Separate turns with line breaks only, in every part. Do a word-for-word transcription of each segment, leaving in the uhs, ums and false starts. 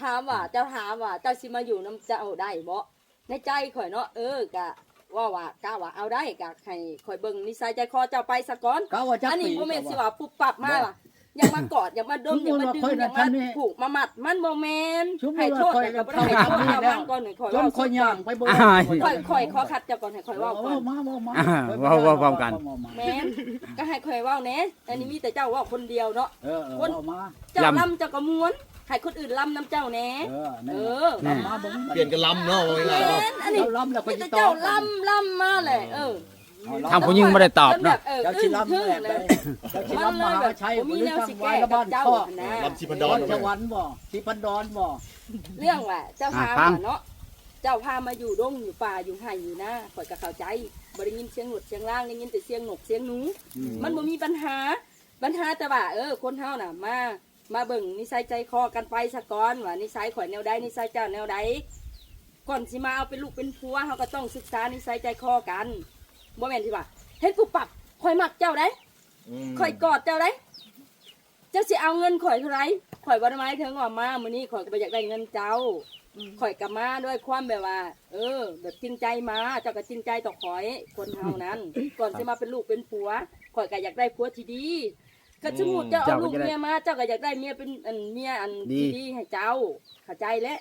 ถามว่าเจ้าถามว่าเจ้าสิมาอยู่น้ำเจ้าได้บ่ในใจข่อยเนาะเออกะว่าว่ากะว่าเอาได้กะให้ข่อยเบิ่งนิสัยใจคอเจ้าไปซะก่อนอันนี้บ่แม่นสิว่าปุ๊บปั๊บมาว่ะอยากมากอดอยากมาดมอยากมาดึงอยากมาผูกมามัดมันบ่แม่นให้โทษแต่ก็บ่ได้ให้โทษเอาบ้างก่อนให้ข่อยเว้าข่อยย่างไปบ่ข่อยข่อยขอคัดเจ้าก่อนให้ข่อยเว้าก่อนมาๆๆเว้าเว้าพร้อมกันแม่นก็ให้ข่อยเว้าแหน่อันนี้มีแต่เจ้าเว้าคนเดียวเนาะเออคนเจ้าลำเจ้าก็ม้วนให้คนอื่นลำน้ำเจ้าแหน่เออ
เปลี่ยนกันลำเนาะเวลาเนาะ
อันนี้ลำแล้วคนเจ้าลำลำมาเลยเออ
ทางผู้หญิงไม่ได้ตอบเนาะ
เจ้าชิลำแหละเจ้าชิลำมหาชัยมีแนวสิแก้กับเจ้า
ลำชิพันดอน
จะวันบ่ชิพันดอนบ่
เรื่องว่าเจ้าพาเนาะเจ้าพามาอยู่ดงอยู่ป่าอยู่ไห่อยู่นะข่อยก็เข้าใจบ่ได้ยินเสียงหนวดเสียงล่างได้ยินแต่เสียงหนกเสียงหนูมันบ่มีปัญหาปัญหาแต่ว่าเออคนเฮาน่ะมามาเบิ่งนิสัยใจคอกันไปซะก่อนว่านิสัยข่อยแนวใดนิสัยเจ้าแนวใดก่อนสิมาเอาเป็นลูกเป็นผัวเฮาก็ต้องศึกษานิสัยใจคอกันบ่แม่นที่ว่าเฮ็ดปุ๊บปั๊บข่อยมักเจ้าได้ข่อยกอดเจ้าได้เจ้าสิเอาเงินข่อยเท่าไหร่ข่อยบ่ได้หมายถึงว่ามามื้อนี้ข่อยก็บ่อยากได้เงินเจ้าข่อยก็มาด้วยความแบบว่าเออแบบจริงใจมาเจ้าก็จริงใจต่อข่อยคนเฮานั้นก่อนสิมาเป็นลูกเป็นผัวข่อยก็อยากได้ผัวที่ดีก็สมมุติเจ้าเอาลูกเมียมาเจ้าก็อยากได้เมียเป็นอันเมียอันที่ดีให้เจ้าเข้าใจแล้ว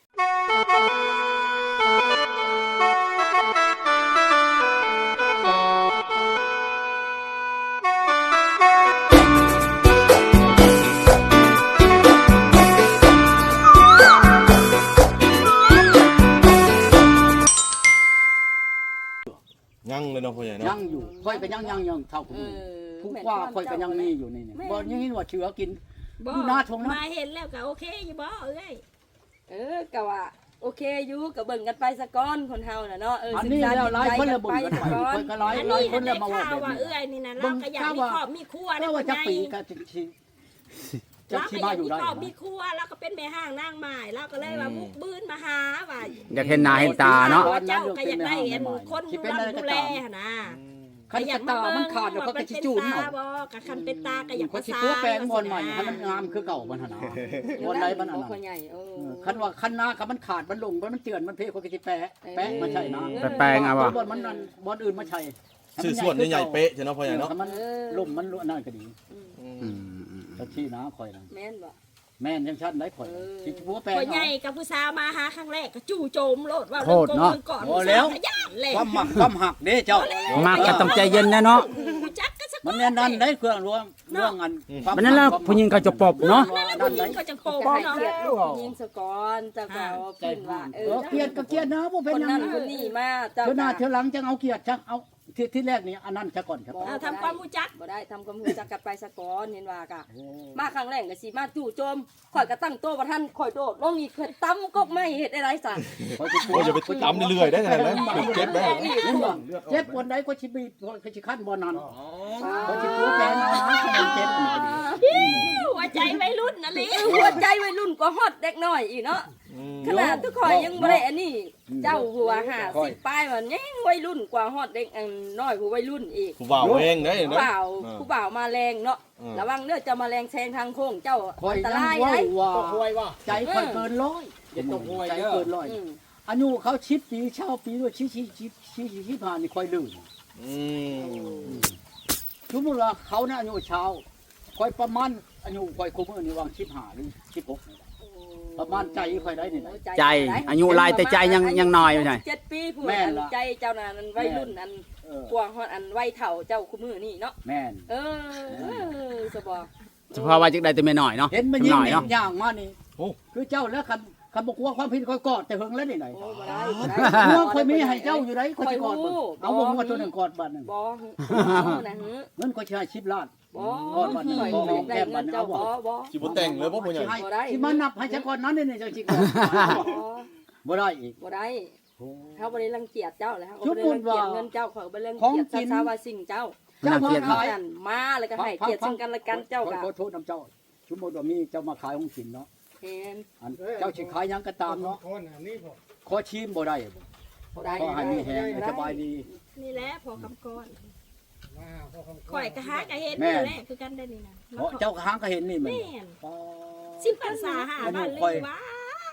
ยังเลยเนาะพ่อใหญ่เนาะ
ยังอยู่ค่อยก็ยังยังยังเท่าคุณผู้ว่าค่อยก็ยังมีอยู่นี่เนี่ยบ่ยังเห็นว่าเชื้อกินดูหน้าทงนะ
มาเห็นแล้วก็โอเคอยู่บ่เอ้ย
เออก็ว่าโอเคอยู่ก็เบิ่งกันไปซะก่อนคนเฮาน่ะเนาะเออ
อันนี้แล้วหลายคนละเบิ่งกันไปค่อยก็หลายหลายคนละมาว่าแบบนี้
เอ้ยนี่นะเราก็อยากมีครอบมีครัว
แล้วว่าจะปีก็จะจะที่มาอยู่ได้
มีครัวแล้วก็เป็นแม่ห้างนางไม้แล้วก็เลยว่าบุกบืนมาหาว่า
อยากเห็นหน้าเห็นตาเนาะ
เจ้าก็อยากได้เห็นคนดูแลนะ
คันจะตามันขาดแล้วก็จะจูนเนาะ
บ่ก็คันเป็นตาก็อยาก
ก็สิตัวแปลงบอลใหม่ให้มันงามคือเก่ามันหั่นน่ะบอลใดมันอันนั้นคันว่าคันหน้าคันมันขาดมันลงมันเตือนมันเพก็สิแปะแปะมันใช่นะ
แปลงเอาว่า
บอลมันนั่นบอลอื่นมาใช่
ชื่อส่วนใหญ่ๆเป๊ะใช่เนาะพ่อใหญ่เนาะ
มันล่มมันนั่นก็ดีอืมก็ที่นะข่อยนะ
แม่นบ่
แม่นจังซั่นได้ข่อยสิผัวแปลง
ข่อยใหญ่กับผู้สาวมาหาครั้งแรกก็จู่โจมโลดว่า
เรื่อง
ก่อนก่อน
แล้วความหมักความหักเด้เจ้า
มักก็ต้องใจเย็นนะเนาะ
มันแน่นั่นได้เครื่องรวมเรื่องอัน
มันนั่นแหละผู้หญิงเขาจะปบเนาะ
ผู้หญิงเขาจะปบเนาะ
ยิงสกอนจะก็เพิ่นว่าเออ
เกียรติก็เกียรตินะบ่เป็นหยัง
คนนี้มาเจ้า
เทื่อหน้าเทื่อหลังจังเอาเกียรติจังเอาที่ที่แรกนี่อันนั้นซะก่อนครับ
ทำความรู้จัก
บ่ได้ทำความรู้จักกันไปซะก่อนเห็นว่ากะมาครั้งแรกก็สิมาจู่โจมข่อยก็ตั้งโต๊ะบ่ทันข่อยโดดลงอีกเพิ่นตำกกไม้เฮ็ดอะไรซะ
โอ้ยอย่าไปตำเรื่อยๆได้จังได๋นะเจ็บได้
เจ็บปวดใดก็สิบีก็สิคันบ่นั้นก็สิผัวแปลงนะมันเจ็บนี่ก็ดี
หัวใจวัยรุ่นนั่นแหละ
หัวใจวัยรุ่นก็ฮอตเด็กน้อยอีกเนาะขนาดทุกข่อยยังบ่ได้อันนี้เจ้าหัวห้าสิบปลายว่ายังวัยรุ่นกว่าฮอตเด็กอันน้อยผู้วัยรุ่นอีก
ผู้บ่าวเองได้เนาะ
ผู้บ่าวผู้บ่าวมาแรงเนาะระวังเด้อจะมาแรงแซงทางโค้งเจ้าอันตรายได้
ตกห้วยว่าใจค่อยเกินร้อยตกห้วยใจเกินร้อยอายุเขาชิดปีเช่าปีด้วยชี้ชี้ชี้ชี้ชี้ผ่านนี่ค่อยลื่นอืมสมมุติว่าเขาน่ะอายุเช้าค่อยประมาณอายุค่อยคุมอันนี้วางสิบห้าหรือสิบหกประมาณใจค่อยได้นี่
ใจอายุลายแต่ใจยังยังน้อยอยู่ใช่
เจ็ดปีผู้ใจเจ้านั้นวัยรุ่นอันกวางฮอดอันวัยเฒ่าเจ้าคุมือนี่เนาะ
แม่น
เออสบอ
เฉพาะว่าจักได้แต่ไม่น้อยเนาะ
เห็นมันยิ่งอย่างมานี่คือเจ้าแล้วคันคันบ่กลัวความผิดค่อยกอดแต่เพิ่งแล้วนี่ไหนบ่ได้บ่ได้เมื่อค่อยมีให้เจ้าอยู่ไดค่อยสิกอดเอาบ่งัวตัวนึงกอดบัดนึง
บ่นะฮึ
เงินค่อยสิให้สิบล้าน
บ่กอดบัดนึงบ่แก้มบัดนึงเอาบ่บ่
สิบ่แต่งเลยบ่พ่อใหญ่
สิมานับให้จักก่อนนั้นนี่จังสิกอดบ่ได้อีก
บ่ได้เฮาบ่ได้รังเกียจเจ้าแล้วเฮาบ่ได้รังเกียจเงินเจ้าเขาบ่ได้รังเกียจสาวาสิ่งเจ้า
เจ้ามาขาย
มาแล้วก็ให้เกียรติซึ่งกันและกันเจ้าก็
ขอโทษนำเจ้าสมมุติว่ามีเจ้ามาขายของกินเนาะ
เห็น
เจ้าสิขายหยังก็ตามเนาะขอชิมบ่ได้บ่ได้ก็ให้มีแฮงสบายดี
นี่แหละพอคำก่อนข่อยก็หาก็เห็นนี่แหละคือกันได้นี่นะ
เจ้าก็หาก็เห็นนี่แม่น
สิบพรรษาหาบ้านเลยว่า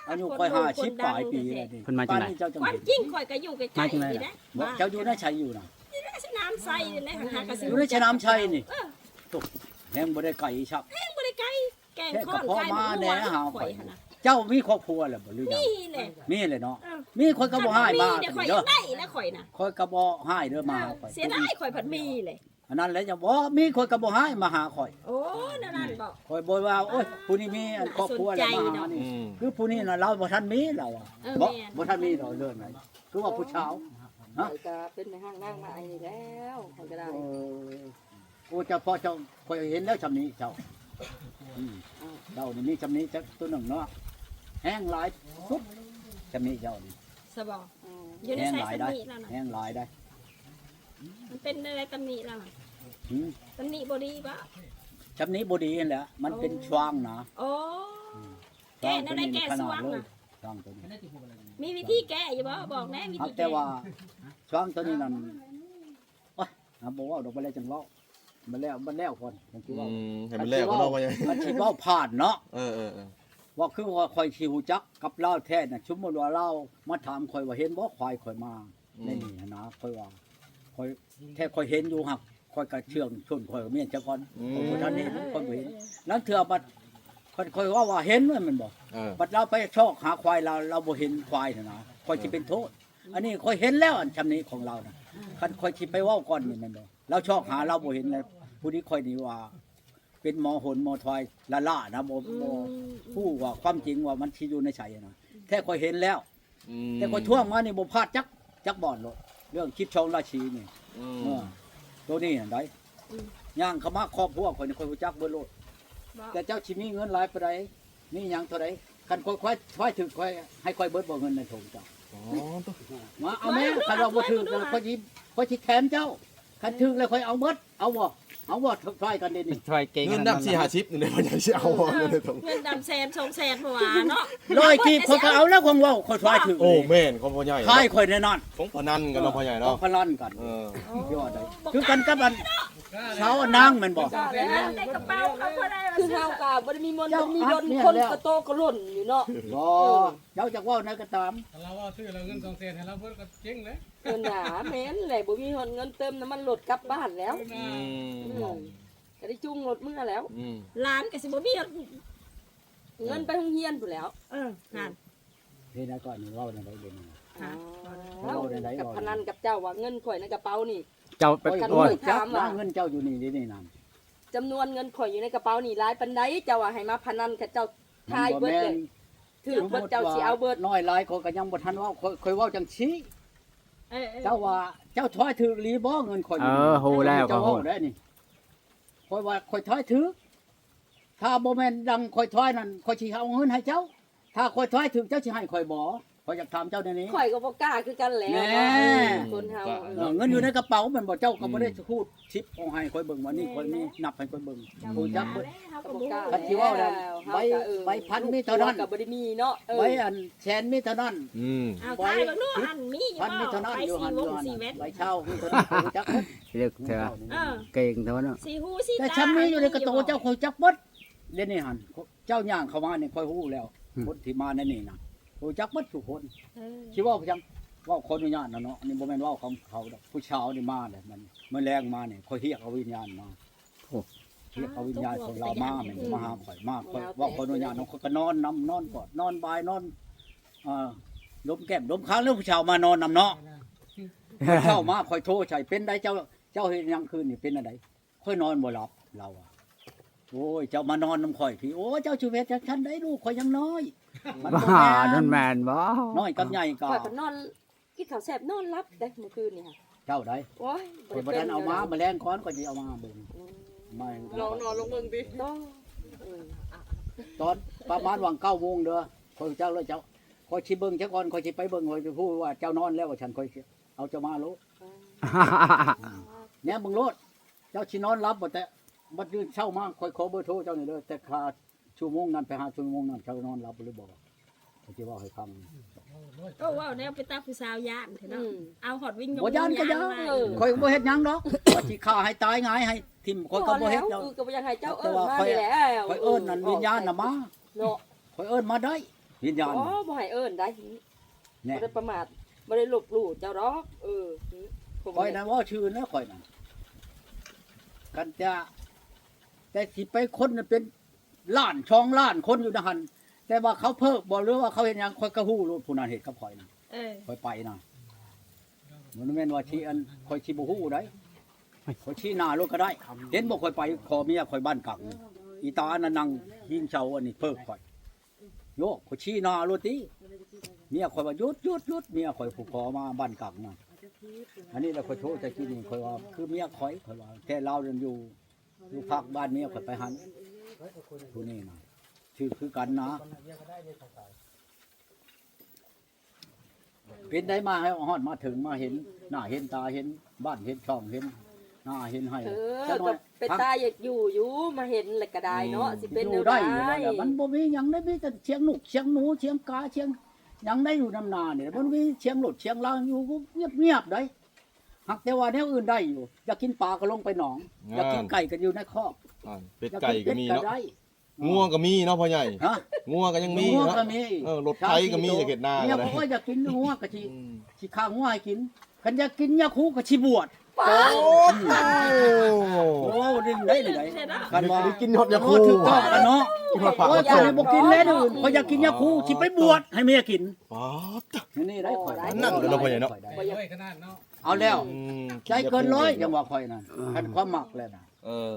อายุค่อยห้าสิบปลายปีแล้วนี่
เพิ่นมาจากไหน
ป่นี้เจ้าจัง
ความ
เห็น
จริงข่อยก็อยู่ใกล้ๆนี่นะ
บ่เจ้าอยู่ในชัยอยู่น่ะ
สนามไซนี่แหละหากระสิ
อยู่ในชะน้ำชัยนี่
เออ
ตกแฮงบ่ได้ไก่ชัก
แม่งบ่ได้ไกลแกง
แค่
ข้อก
ระ
น
เพาะ
ไก่
มา
ห
แหน่หา
ข่
ข่
อ
อย ย
หั่นน่ะ
เจ้ามีครอบครัวแล้วบ่หรือยัง
นี่แหละ
มีเลยเนาะ
เออ
มีคนก็บ่ให้มา
เดี๋ยวข่อย
เด้
ยั
อง
ได้นะข่อยน่ะ
คอยก็บ่ให้เด้อมาหาข่อย
เสียดายข่อยผัดมีเลย
อันนั้นแหละจะบ่มีคนก็บ่ให้มาหาข่อย
โอ้นั่นนั่นบอก
ข่อยบ่ว่าโอ้ยผู้นี้มีอันครอบครัวแล้วมาหานี่
อืม
คือผู้นี้น่ะเราบ่ทันมีเราอ่ะ
เออ
บ่
แม่น
บ่ทันมีดอกเรื่องไหนคือว่าผู้ชาว
ข่อยก็เป็นในห้างนั่งมาไอ้นี่แล้วข่อยก็ได้
เออโอ้เจ้าพ่อเจ้าข่อยเห็นแล้วชำนี้เจ้าอืมเจ้านี่มีชำนี้จักตัวหนึงเนาะแห้งหลายสุดชำนี้เจ้านี่
สบอ
อืม
อยู่ใน
แห้ง
สาย
หลาย
ตำ
ได้
หนิแล้วน่ะ
แห้งหลายได้
มันเป็นอะไรตำหนิแล้วน่ะ
หืม
ตำหนิบ่ดีปะ
ชำนี้บ่ดีนั่นแหละมันเป็นช่วางนะ
โอ้แก้นั่นได้แก้สว่าง
เลย
น่ะ
ช่วางตัวนี้
มีวิธีแก้อยู่บ่บอกแน่วิ
ครับ
ธี
แต่
แก้
ว่าช่วางตัวนี้นั่นโอ้ยอ่ะบอกว่าดอกบ่แล้วจังเว้ามันแล้วมันแล้วคนมันสิ
อื
เว้าม
ให้มันแล้วก็เนาะพ่อใหญ่
มันสิเว้าผ่านเนาะ
เออเออเออ
ว่าคือว่าข่อยสิฮู้จักกับเล่าวแท้น่ะสมมุติว่าเล่ามาถามข่อยว่าเห็นบ่ควายข่อยมาในนี่นะข่อยว่าข่อยแท้ข่อยเห็นอยู่หักข่อยก็เชื่องชนข่อยก็เมียนจักก่อนข่อยบ่ทันเห็นข่อยบ่เห็นนั้นเทื่อบัดข่อยข่อยว่าว่าเห็นว่ามันบ่
เออ
บัดเราไปชอกหาควายเราเราบ่เห็นควายน่ะนะข่อยสิเป็นโทษ อันนี้ข่อยเห็นแล้วอันชำนี้ของเราน่ะคันข่อยสิไปเว้าก่อนนี่แม่นบ่เราชอกหาเราบ่เห็นเลยผู้นี้ข่อยนี่ว่า เป็นหมอหนหมอทอยละล่านะบ่
อื
บ่
ม
ผู้ว่าความจริงว่ามันสิอยู่ในไสนะแท้ข่อยเห็นแล้ว
อืม
แต่ข่อยท่วงมานี่บ่พลาดจักจักบ่อนโลดเรื่องคิดชองราชีนี่
อื
เอ
ม
อตัวนี้นั่นได้ย่างเข้ามาครอบครัวข่อยนี่ข่อยรู้จักเบิดโลด
บอก
แต่เจ้าสิมีเงินหลายปานใดมีหยังเท่าใดคันข่อยควายควายถึกข่อยให้ข่อยเบิดบ่เงินในถุงเจ้า
อ๋อตัว
มาเอาแม่คันเราบ่ถึกแล้วข่อยสิข่อยสิแถมเจ้าคันถึกแล้วข่อยเอาเบิดเอาบ่เอาบ่ทายกันเด้นี่
ช่วยเก่ง
เงินดำสี่ห้าสิบนี่เลยพ่อใหญ่สิเอาบ่เงินในถุง
เงินดำแสนสองแสนเพราะว่าเนาะ
ร้อยกีบข่อยก็เอาแล้วของเว้าข่อยทายถึก
โอ้แม่นของพ่อใหญ่
ทายข่อยแน่นอน
ของพนันกันเนาะพ่อใหญ่
ต้อ
เนาะ
งพลันกัน
เออ
ยอดเลยคือกันกับอันเช้าอันนางแม่นบ่
แล้วในกระเป๋าเขาก็ได้
คือเฮาก็บ่ได้มีมนต์
เจ้า
บ่มีดน
อัดเนี่ย
คน
แล้ว
กระโตกระหล่นอยู่เนาะ
บ่เจ้าจักเว้าไหนก็ตาม
เราว่าซื้อเราเงินสองแสนให้เราเพิ่นก็เจ๊งเลย
เพิ่นหาแม่นแหละบ่มีเงินเติมน้ำมันรถกลับบ้านแล้ว
อืม
อืมก็ได้จุงรถเมื่อแล้ว
อืม
ร้านก็สิบ่มี
เงินไปโรงเรียนพุ่นแล้ว
เออนั่น
เฮ็ดนะก่อนนี่เว้าได้ไดเดี๋ยวนี้
ค่ะ
เอ้ากับพนันกับเจ้าว่าเงินข่อยในกระเป๋านี่
เจ้าไป
โอ้ย
กัน
โอ้ย
จับนะเงินเจ้าอยู่นี่นี่นี่นั่น
จำนวนเงินข่อยอยู่ในกระเป๋านี่หลายปานใดเจ้าว่าให้มาพนันกับเจ้าทายเบิดเลยถือเบิดเจ้าสิเอาเบิด
น้อยหลายคนก็ยังบ่ทันเว้าค่อยค่อยเว้าจังซี่
เออ
เจ้าว่าเจ้าถอยถือหรือบ่เงินข่อย
เออฮู้แล้วก็
เจ้า
ฮู้
เว้าได้นี่ค่อยว่าค่อยถอยถือถ้าบ่แม่นดังค่อยถอยนั่นค่อยสิเอาเงินให้เจ้า ถ้าค่อยถอยถือเจ้าสิให้ค่อยบ่ข่อยอยากถามเจ้าเดี๋ยวนี้
ข่อยก็บ่กล้าคือกันแหล้ว
แน่
คนเฮา
เออเงินอยู่ในกระเป๋าแมันบ่เจ้าก็บ่ได้พูดชิปเอาให้ค่อยเบิ่งว่านี่ค่อยมีนับให้ค่อยเบิ่งผู้จักเบิ่ง
เขา
ก็
ก็
บ่
บ่
กล้า
คันสิเว้านั่นใบใบพันมีเท่านั้น
ก็บ่ได้มีเนาะเออ
ไว้อันแสนมีเท่านั้น
อืม
เอาทายเบิ่งดูอันมีอยู่
พันมี
บ่
เท่านั้น
ไป
อยู่
สี่
หันอ
ว
ยู่
ง
หัน
สี่เม็ด
ใบเช่ามีเท่านั้นผู้จักเบิ่ง
เรียกเถอะ
เออ
เก่งเท่านั้น
สี่หูสี่
แต่
ตา
ฉันมีอยู่ในกระโตเจ้าค่อยจักเบิดเดี๋ยวนี้หันเจ้าย่างเข้ามานี่ค่อยฮู้แล้วคนที่มาในนี่น่ะผู้จักเบิดทุกคน
เออ
สิเว้าจังเว้าคนอนุญาตนะเนาะอันนี้บ่แม่นเว้าของเขาดอกผู้ชาวนี่มาเลยมันมื้อแรงมานี่ค่อยเรียกเอาวิญญาณมา เรียกเอาวิญญาณของเรามาแม่นมาหาข่อยมาข่อยเว่าคนอนุญาตเนาะข่อยก็นอนนำนอนกอดนอนบายนอนเอ่อดมแก้มดมค้างแล้วผู้ชาวมานอนนำเนาะเช้ามาข่อยโทรใส่เป็นได้เจ้าเจ้าเฮ็ดหยังคืนนี่เป็นอะไรข่อยนอนบ่หลับเราอะโอ้ยเจ้ามานอนนำข่อยพี่โอ้เจ้าชีวิตจักฉันได้ลูกข่อยยังน้อยมันบ่
บ้า
แม่
นั่น
น
แม่นบ่
น้อยกับใหญ่ก็
ข่อยก็นอนกินข้าวแซ่บนอนหลับได้เมื่อคืนนี่ค่ะ
เจ้าได้
โอ้ย
ข่อยบ่ทันเอามาแมลงก้อนก็สิเอามาเบิ่งไม่
ลองนอนลงเบิ่งดิต้องเออ
ตอนประมาณวังเก้าโมงเด้อข่อยเจ้าเลยเจ้าข่อยสิเบิ่งจักก่อนข่อยสิไปเบิ่งข่อยสิพูดว่าเจ้านอนแล้วว่าฉันข่อยสิเอาเจ้ามาโล เนี่ยมึงโลดเจ้าชินอนรับบ่แต่บัดยืนเช้ามาค่อยขอเบอร์โทรเจ้านี่เด้อแต่ค่าชั่วโมงนั้นไปหาชั่วโมงนั้นเจ้านอนรับหรือบ่เขาสิเว้าให้ฟัง
ก็ว่าแนวไปตาผู้สาวย่านเถอะ
อื
เนาะ
ม
เอาหอดวิ่ง
บ่ย่านก็ย่าน
มา
ข่อยก็บ่เฮ็ดหยังดอกว่าสิฆ่าให้ตายหงายให้ทิ่มข่อยก็บ่เฮ็ด
แล้
ด
ว
อก
คือก็บ่อยากให้เจ้า
แต่
เอิ้น
ว่า
มา
ข่อย
นี่แหล้ว
ข่อยเอิ้นนั่นวิญญาณน่ะมา
เนาะ
ข่อยเอิ้นมาได้วิญญาณ
อ๋อบ่ให้เอิ้นได้
แน่
บ่ได้ประมาทบ่ได้ลบหลู่เจ้าดอกเออผม
คอยนะว่าชื่อนะคอยนะกันจะแต่สิไปคนน่ะเป็นล้านช่องล้านคนอยู่นะหันแต่ว่าเขาเพิกบ่หรือว่าเขาเห็นหยังคอยกระหู้รู้ผู้นั้นเห็นกับคอยนะ
เออ
คอยไปนะมันแม่นว่าชี้อันคอยชี้บ่ฮู้ได้คอยชี้หน้ารถก็ได้ เห็นบ่คอยไปขอเมียคอยบ้านกักนี่อีตาอันนั้นนั่งยิงเชาอันนี้เพิกคอยโยกคอยชี้หน้ารถติเมียคอยว่าหยุดหยุดหยุดเมียคอยผูกคอมาบ้านกักนะอันนี้เราคอยโทษแต่ที่นี่คอยว่าคือเมียคอยคอยว่าแค่เราเดินอยู่อยู่ภาคบ้านเมียคอยไปหันผู้นี้นะชื่อคือกันนะเป็นได้มาให้ฮอดมาถึงมาเห็นหน้าเห็นตาเห็นบ้านเห็นช่องเห็นหน้าเห็นให้
เออ
จะน้อ
ก็
ย
เป็นตาอยากอยู่อยู่มาเห็นแล้วก็ได้เนาะสิเป็น
อ
แน
ยู่
ว
ได้
ใด
อยู่แล้วแหละมันบ่มีหยังได้มีแต่เชียงหนุกเชียงหนูเชียงกาเชียงหยังได้อยู่นำนาเนี่ยมันมีเชียงหลดเชียงลางอยู่เงียบๆได้หักแต่ว่าแนวอื่นได้อยู่อยากกินปลาก็ลงไปหนองอยากกินไก่ก็อยู่ในคอก
อ่าเป็ดไก่ก็มี
อยา
เนาะ
ได้
ง่วงก็มีเนาะพ่อใหญ่
ฮะ
ง่วงก็ยังมี
งัว
เนาะ
ก็มี
เออรถไถก็มีจะเก็ดหน้า
เนี่ย
ก็ได้
บอกว่าอยากกินงัวก็สิ
อืม
สิข้างงัวให้กินคันอยากกินยาคูก็สิบวช
โอ้โห
โอ้ดึงได้เลยได้คันว่า
ได้กินฮอดยาคู
ถูกต้องกันเนาะ
กินฮอดผัก
โอ้
ฮ
ย
อด
จะ
ส้
ให้
ม
บ่กินแล้วเด้อเขาอยากกินยาคูสิไปบวชให้เมียกิน
ป๊าด
นี่ได้ข่อย
นั่นเดี๋ยวเราไปไหนเนาะ
ได้
ไปด้วยขนาดเนาะ
เอาแล้ว
อืม
ใจเกินร้อยจังว่าข่อยนั่นคันความหมักแล้วน่ะ
เออ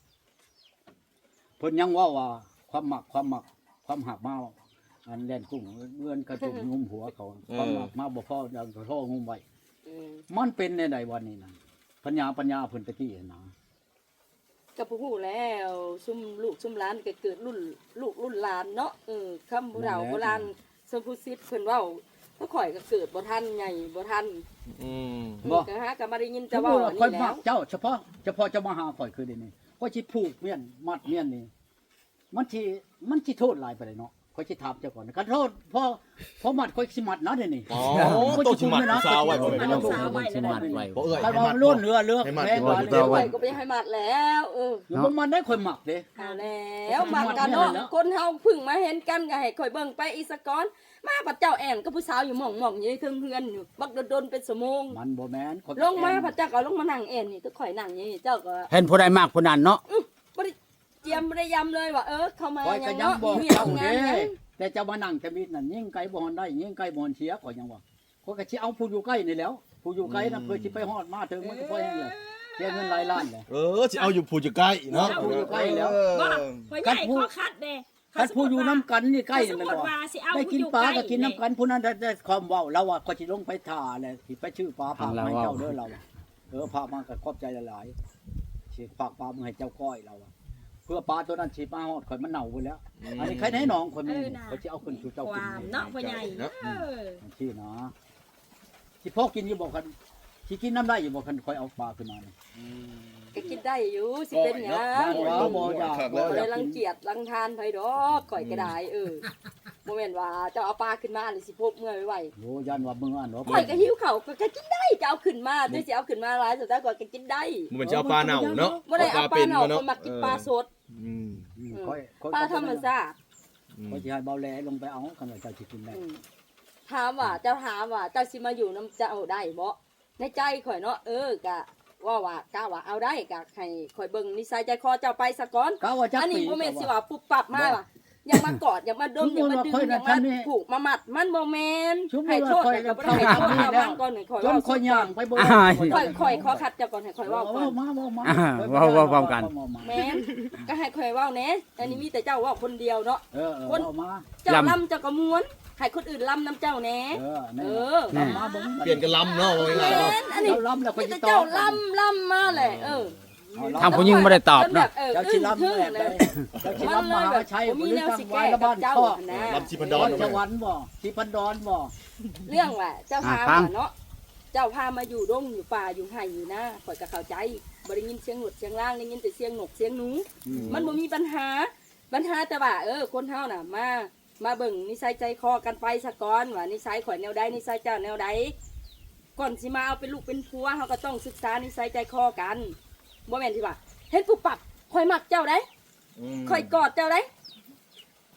เพิ่นยังว่าว่าความหมักความหมักความหักมาอันแล่นกุ้งเงินกระตุกงุมหัวเขาความหมักมาบ่พอดังกระโทงุมไว้
อืม
มันเป็นในใดวันนี้นะปัญญาปัญญาเพิ่นตะกี้นะ
ก็ผู้ฮู้แล้วซุมลูกซุมหลานก็เกิดรุ่นลูกรุ่นหลานเนาะเออคำโบราณโบราณสมพุสิทธิ์เพิ่นเว้าก็ข่อยก็เกิดบ่ทันใหญ่บ่ทัน
อืม
เออก็หาก็มาได้ยิน
จะ
จะ
ว่า
เว้าอัน
ค่อย
นี้
มั
แล้
ก
ว
เจ้าเฉพาะเฉพาะจะมาหาข่อยคือเดี๋ยวนี้ข่อยสิผูกเมียนมัดเมียนนี่มันสิมันสิโทษหลายไปเลยเนาะข่อยสิถามเจ้าก่อนคันโทษพอพอมัดข่อยสิมัดนะเดี๋ยวนี้
อ๋อโตชิมัดผู้สาวไว้บ่แม่น
ต้
เนาะ
องสาวไว้สิมัดไว้
บ่เอ้ย
ถ้า
ให้
ว่า
มัด
ล้วนเรือเรือ
ให้มัด
แม่ว่า
ให้
เรือ
มัด
ข่อยก็ไปให้มัดแล้วเออ
อยู่บ่มันได้ข่อยมักเด้
เอาแล้วมักกันเนาะคนเฮาเพึ่งมาเห็นกันก็ให้ข่อยเบิ่งไปอีสกอนมาปัดเจ้าแอนกับผู้สาวอยู่หม่องๆอยู่ในเทิงเฮือนอยู่บักโดนๆเป็นชั่วโมง
มันบ่แม่นข่อย
ลงมาพระเจ้าก็ลงมานั่งเอ็นนี่ก็ข่อยนั่งอย่างนี้เจ้าก็
เห็นผู้ใดมากผู้นั้นเนาะ
บ่ได้เจียมบ่ได้ยำเลยว่าเออเข้ามา
ข่อย
อ
ก็
ย่าง
ยัง
เนาะ
บอก
มี
เจ้า
ทำงา
เด้
นหยัง
แต่เจ้ามานั่งจะมีนั่นยิ่งไกลบ่ฮอนได้ยิ่งไกลบ่ฮอนเสียข่อยยังว่าข่อยก็สิเอาผู้อยู่ใกล้นี่แหล้วผู้อยู่ไกลน่ะเพื่อสิไปฮอดมาถึงมันก็พอแห้งเลยเสียเงินหลายล้านเลย
เออสิเอาอยู่ผู้จะใกล้เนาะ
เอาอยู่ใกล้แล้ว
เออ
ว่าพ่อใหญ่ขอคัดเด้
คันผู้อยู่น้ำกันนี่ใกล้
ส
นี่
ม
แมัน
มุติ
บ่
ว่าสิเอา
ได้
ผู้
กิน
อยู่
ปลา
ใกล้
ก็กินน้ำกันผู้นั้นได้ได้ความเว้าเราว่าก็สิลงไปท่าแหละสิไปชื่อปลาฝากให้เจ้าเด้อเราอะเออพามาก็ขอบใจหลายๆสิฝากปลามาให้เจ้าก้อยเราอะเพื่อปลาตัวนั้นสิมาฮอดข่อยมันเน่าไปแล้ว อันนี้ใครแน่น้องคนนี้เขาสิเอาขึ้นสู่เจ้า
ค
กิน
วามเนาะพ่อใหญ่เออ
ที่นะสิพ่อกินอยู่บ่คันสิกินน้ำได้อยู่บ่คันข่อยเอาปลาขึ้นมานี่
ก็กินได้อยู่สิเป็นหยัง
ว่าบ่อยากบ่
บ่
อ
ได้
ยาก
รัง
กิน
เกียจรังทานไผดอกข่อยก็ได้เออบ่แม่นว่าเจ้าเอาปลาขึ้นมาหรือสิพบเมื่อยไว้
โอ้ยันว่ามึงอ่านเนาะ
ข่อยก็หิวข้าวก็ก็กินได้จะเอาขึ้นมาแต่สิเอาขึ้นมาหลายสุดท้ายข่อยก็กินได้
มันเหมือนจะเอาปลาเน่าเนาะ
บ่ได้เอาปลาเน่า
เนาะ
คนมากินปลาสด
อืม
อืมค่อยค่อย
ปลาธรรมชาติ
อืม
ค่อยสิให้เบาแลลงไปเอาคันว่าเจ้าสิกินได้
อืมถามว่าเจ้าถามว่าเจ้าสิมาอยู่น้ำเจ้าได้บ่ในใจข่อยเนาะเออกะว่าว่ากะว่าเอาได้กะให้ข่อยเบิ่งนิสัยใจคอเจ้าไปซะก่อน
กะว่าจัก
อันนี้
ปี
บ่แม่นสิว่าปุ๊บปับมาว่ะอยากมากอดอยากมาดมอยากมาดึงอยากมาผูกมามัดมันบ่แม่นให้โทษแต่ก็บ่ได้ให้โทษเอามันก่อนให้ข่อย
จน
เว้า
ค่อยย่างไปบ่
ข่อยข่อยขอคัดเจ้าก่อนให้ข่อยเว้าก่อน
มาเว้ามา
อ่าเว้าเว้าพร้อมกัน
แม่นก็ให้ข่อยเว้าแหน่อันนี้มีแต่เจ้าเว้าคนเดียวเนาะ
เออเออเว้ามา
เจ้าลำเจ้าก็ม้วนให้คนอื่นลำนํเจ้าแหน่
เออ
เอ
นั่น
อ
มาเบิ่ง
เปลี่ยนกันลำเนาะว่าง่ายๆ
แม่
เนาะ
นอันนี้
เจ้าล้ำแล้วค่อย
มี
สิ
แต่
ตอ
เจ้า
บ
ลำลำมาเลยเออ
ทางผู้หญิงบ่ได้ตอบเนาะ
เออ
เจ้า
อึ้
สิ
ง
ล้ำ
ทึ่ง
แบบ
เล
ใด
ย
เจ้าสิ
มัน
ล้ำ
เล
ม
ย
หา
แบบ
ชัย
ผม
บ่
มี
หรือ
แนว
จัง
สิ
หวั
แก้
ดละ
กั
บ้า
บ
น
เจ้า
พ่อ
นะ
ลำชิพันดอน
ส
เนาะ
วรรค์บ่ที่พันดอนบ่
เรื่องว่าเจ้าพา
อ่าฟัง
มาเนาะเจ้าพามาอยู่ดงอยู่ป่าอยู่ไห่อยู่นะข่อยก็เข้าใจบ่ได้ยินเสียงหนวดเสียงล่างได้ยินแต่เสียงนกเสียงหนู มันบ่มีปัญหาปัญหาแต่ว่าเออคนเฮาน่ะมามาเบิ่งนิสัยใจคอกันไปซะก่อนว่านิสัยข่อยแนวใดนิสัยเจ้าแนวใดก่อนสิมาเอาเป็นลูกเป็นผัวเฮาก็ต้องศึกษานิสัยใจคอกันบ่แม่นที่ว่าเห็นปุ๊บปับข่อยมักเจ้าได้
อืม
ข่อยกอดเจ้าได้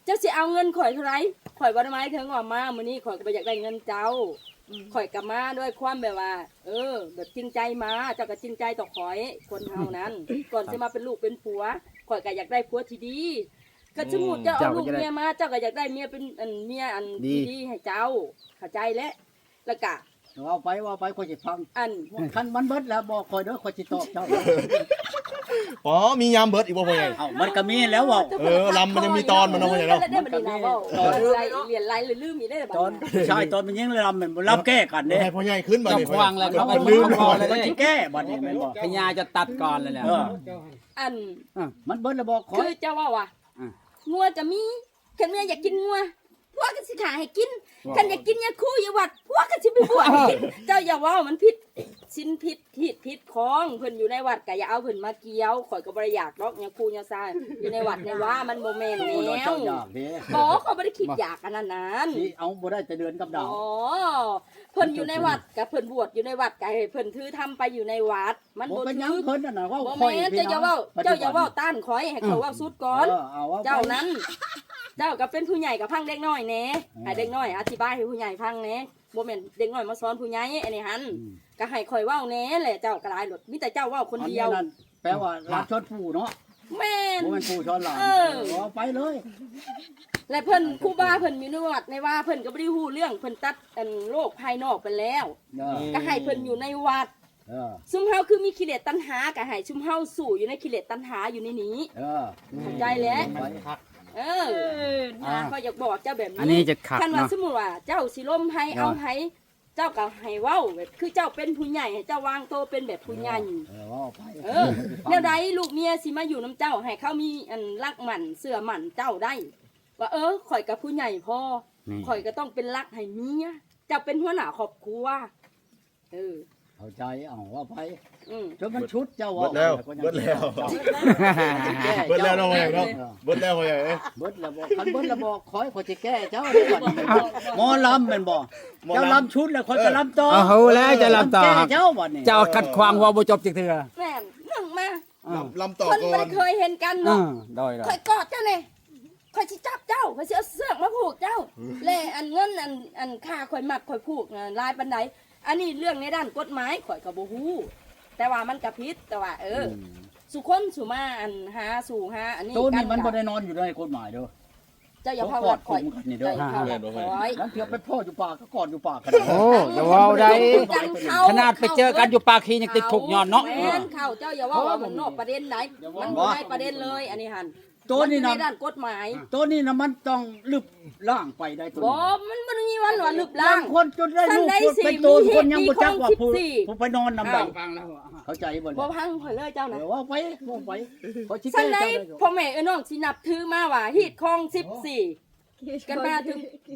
เจ้าสิเอาเงินข่อยเท่าไหร่ข่อยบ่ได้หมายถึงว่ามามื้อนี้ข่อยก็บ่อยากได้เงินเจ้าข่อยก็มาด้วยความแบบว่า เออ แบบจริงใจมาเจ้าก็จริงใจต่อข่อยคนเฮานั้น ก่อนสิมาเป็นลูกเป็นผัวข่อยก็อยากได้ผัวที่ดีก็สมมุติเจ้าเอาลูกเมียมาเจ้าก็อยากได้เมียเป็นอันเมียอันที่ดีให้เจ้าเข้าใจแล้วแล้วก็
ว่าไปว่าไปคนสิฟัง
อัน
คันมันเบิดแล้วบอกคอยเด้อคอยสิตอบเจ้า
อ๋อมียามเบิดอีกบ่พ่อใหญ่
เอ้ามันก็มีแล้วเว่า
เออลำมันยังมีตอนมันเนาะพ่อใหญ่เนาะ
ได้บัดนี้นะเว้าตอนไรเรียนไรหรือลืมอีได้บัด
ตอน
นี้
ชายตอนมันยังรำมันบ่รับแก้กันเด้
ให้พ่อใหญ่ขึ้นมา
เจ้า
ดิ
ควางแล้ว
เขา
เขา
ลื
ลื
ม
ม
ก่
ก่
อ
อน น
เล
เลย ย
มันสิแก้บัดนี้แม่นบ่
พญาจะตัดก่อนเลยแหละ
เออ
อัน
มันเบิดแล้วบอกคอ
คื
ย
อเจ้าว่าว่ะ
อ่ะ
งัวจะมีคันเมียอยากกินงัวพวกก็สิขายให้กินคันอยากกินยาคูอย่าวัดพวกก็สิไปบวชให้กินเจ้าอย่าว่ามันผิดสินผิดผิดผิดของเพิ่นอยู่ในวัดก็อย่าเอาเพิ่นมาเกี่ยวข่อยก็บ่ได้อยากดอกยาคูยาซาอยู่ในวัดในว่ามันบ่แม่น
โอ้
แน
เจ้าว อยากเด้
บ่เขาบ่ได้คิดอยากอันนั้นนั้น
สิเอาบ่ได้แต่เดือนกับดาว
อ๋อเพิ่นอยู่ในวัดกับเพิ่นบวชอยู่ในวัดก็ให้เพิ่นถือทำไปอยู่ในวัด มัน
บ่
บ่
เป็นหยั
ถื
ง
อ
เพิ่นนั่นน่ะว่า
บ่
คอย
แม่น
พี่
เจ้าอย่า
น้
เว้า
ปัจ
เจ้า
จุ
อย่า
บั
เว้าน ต้านข่อยให้เขาเว้าสุดก่อน
เออเอาว่าไป
เจ้านั้น เจ้าก็เป็นผู้ใหญ่กับพังเด็กน้อยแหน่ให้เด็กน้อยอธิบายให้ผู้ใหญ่ฟังแหน่บ่แม่นเด็กน้อยมาสอนผู้ใหญ่อันนี้หัน
อืม
ก็ให้ข่อยเว้าแหน่แหละเจ้าก็หลายหลดมีแต่เจ้าเว้าคนเดียว
อันนี้นั่นแปลว่าหลานชนปู่เนาะ
แม่น
บ่แม่นปู่ชนหลาน
เออ
เอาไปเลย
และเพิ่นครูบาเพิ่นมีนวดในว่าเพิ่นก็บ่ได้ฮู้เรื่องเพิ่นตัดอันโลกภายนอกไปแล้ว
เออ
ก็ให้เพิ่นอยู่ในวัด
เออ
ซุมเฮาคือมีกิเลสตัณหาก็ให้ซุมเฮาสู่อยู่ในกิเลสตัณหาอยู่ในนี้
เออ
เข้าใจแล้ว
ไป
เออนะเขาอยากบอกเจ้าแบบนี้
อันนี้จะขัด
คันว่า
เนาะ
สมมุติว่าเจ้าสิล้มให้เอาให้เจ้าก็ให้เว้าแบบคือเจ้าเป็นผู้ใหญ่ให้เจ้าวางโตวเป็นแบบผู้ใหญ่
เออเอาไป
เออแนวใดลูกเมียสิมาอยู่น้ำเจ้าให้เขามีอันรักหมั่นเสื่อหมั่นเจ้าได้ ว่าเออข่อยกับผู้ใหญ่พ่อ
นี่
ข่อยก็ต้องเป็นรักให้เมียเจ้าเป็นหัวหน้าครอบครัวเออ
เข้าใจเอาว่าไป
อืม
จนมันชุดเจ้า
เบิดแล้วเบิดแล้วเบิดแล้วเนาะพ่อใหญ่เนาะเบิดแล้วพ่อใหญ่เอ้ย
เบิดแล้วบอกคันเบิดแล้วบอกคอยขอยจะแก้เจ้าได้ก่อนหมอลำแม่นบ่เจ้าลำชุดแล้วคอยจะลำต่อ
เอาแล้วจะลำต่อ
แก้
ครับ
เจ้าบ่นี่
เจ้าขัดขวางว่าบ่จบจักเทื่อ
แม่นนึ่งมา
อ่า
ลำต่อ
คน
ก่อ
มัน นเคยเห็นกัน
อ่า
เนาะ
ได้ได้
ข่อยกอดเจ้าเนี่ยข่อยสิจับเจ้าข่อยสิเอาเสื้อกมาผูกเจ้าแล่อันเงินอันอันค่าข่อยมัดข่อยผูกน่ะลายปันไดอันนี้เรื่องในด้านกฎหมายข่อยก็บ่ฮู้แต่ว่ามันก็ผิดแต่ว่า เออ สุคนสุมาอันหาสู่หาอันนี้
ตัวนี้
กั
มันบ่
ก็
ได้นอนอยู่ในกฎหมายเด้อ
เจ้าอย่าพาวัดข่อย
กอดคุมกันนี่เด้
เจ้า
อ
อย่าพาวัดข่อย
นั้นเถื่อไปพ่ออยู่ป่าก็กอดอยู่ป่ากัน
โอ้อย่าเว้าได้
กันเข้
ขนาดไปเจอกันอยู่ปากคียังติดคุกย้อนเนาะ
แม่นเข้าเจ้าอย่าว่าว่ามันนอกประเด็นไหนมันบ่ได้ประเด็นเลย อันนี้หัน
ตัวนี้
มั
นะ
อยู่ในด้านกฎหมาย
ตัวนี้นะมันต้องลึบล่างไปได้ตัว
บ่
นี้
มันมันมีวันหลอนลึก
ล่า
ล่าง ง
คนจนได้ลูก
ท่านใดสิ
เป็นตัว
มีเหตุ
คนยังบ่จักว่า
มี
ผู้
ของสิบสี่
ผู้ไปนอนนำใด
ฟังแล้ว
เข้าใจบ่
บ่
เนี่ย
พังข่อยเลยเจ้านะ
เดี๋ยวว่าไปว่าไปเขาชี้
สัน
แก้
ใด
เจ้าได้
พ่อแม่เอ้ยน้องสินับถือมาว่าฮีดคองสิบสี่กันมาถึง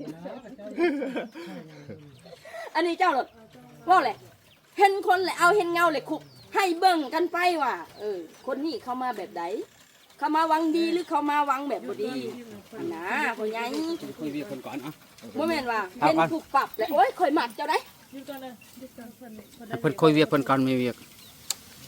อันนี้เจ้าหลดว่าแหละเห็นคนแหละเอาเห็นเงาเลยคุกให้เบิ่งกันไปว่า เออ คนนี้เขามาแบบไหนเขามาหวังดีหรือเขามาหวังแบบบ่ดีอันนะพ่อใหญ่
คุยเวียคนก่อนอ่ะ
บ่แม่นว่า
ครับ
เห็นถูกปรับแล้วโอ้ยข่อยมักเจ้าได้
เพิ่นคุยเวียคนก่อนมีเวียก